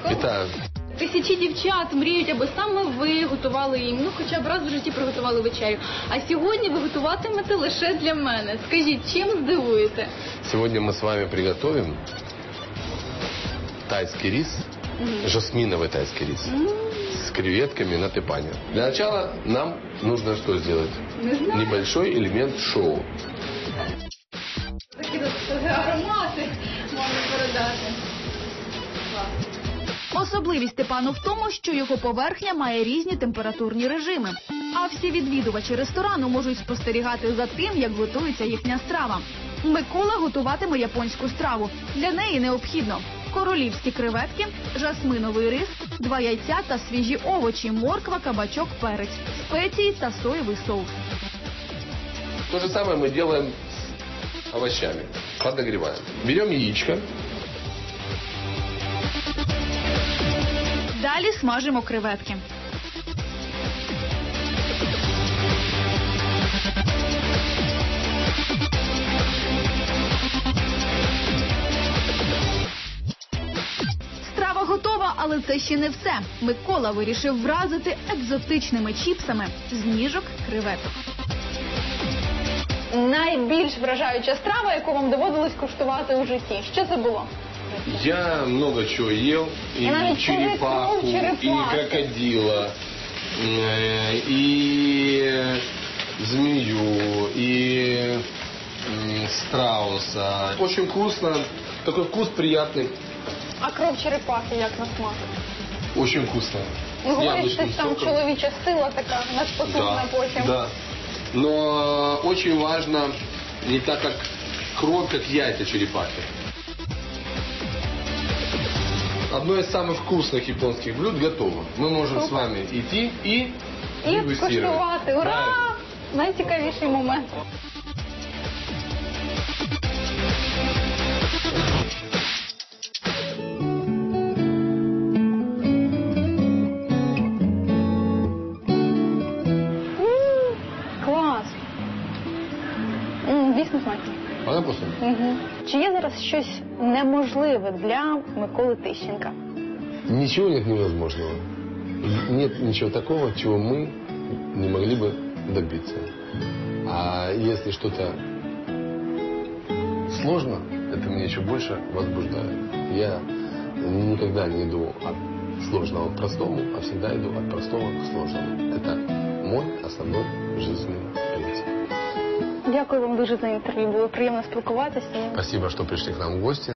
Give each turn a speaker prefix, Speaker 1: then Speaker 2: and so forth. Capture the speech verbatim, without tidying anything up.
Speaker 1: Вітаю.
Speaker 2: Тисячі дівчат мріють, аби саме ви готували їм, ну хоча б раз в житті приготували вечерю. А сьогодні ви готуватимете лише для мене. Скажіть, чим здивуєте?
Speaker 1: Сегодня мы с вами приготовим тайский рис, mm-hmm. жасминовый тайский рис, mm-hmm. с креветками на тепане. Для начала нам нужно что сделать? Небольшой элемент шоу.
Speaker 2: Такі аромати можна передати.
Speaker 3: Особливість тепану в тому, що його поверхня має різні температурні режими. А всі відвідувачі ресторану можуть спостерігати за тим, як готується їхня страва. Микола готуватиме японську страву. Для неї необхідно королівські креветки, жасминовий рис, два яйця та свіжі овочі, морква, кабачок, перець, спеції та соєвий соус.
Speaker 1: То же самое мы делаем с овощами. Подогреваем. Берем яичко.
Speaker 3: Далі смажимо креветки. Страва готова, але це ще не все. Микола вирішив вразити екзотичними чіпсами з ніжок креветок.
Speaker 2: Найбільш вражаюча страва, яку вам доводилось куштувати у житті. Що це було?
Speaker 1: Я много чего ел. И черепаху, и крокодила, и змею, и страуса. Очень вкусно. Такой вкус приятный.
Speaker 2: А кров черепахи як на смак?
Speaker 1: Очень вкусно.
Speaker 2: Ну, говорять, що там чоловіча сила така, надпотужна потім.
Speaker 1: Да. Но очень важно не так, как кровь, как яйца черепахи. Одно из самых вкусных японских блюд готово. Мы можем с вами идти и
Speaker 2: І скуштувати. Ура! Найцікавіший момент. Клас! Дійсно смачно.
Speaker 1: Вона вкусна?
Speaker 2: Угу. Чи є зараз щось неможливе для Миколи Тищенка?
Speaker 1: Ничего нет невозможного. Нет ничего такого, чего мы не могли бы добиться. А если что-то сложно, это меня еще больше возбуждает. Я никогда не иду от сложного к простому, а всегда иду от простого к сложному. Это мой основной жизненный принцип.
Speaker 2: Дякую вам дуже за інтерв'ю. Було приємно спілкуватися.
Speaker 1: Спасибо, что пришли к нам в гости.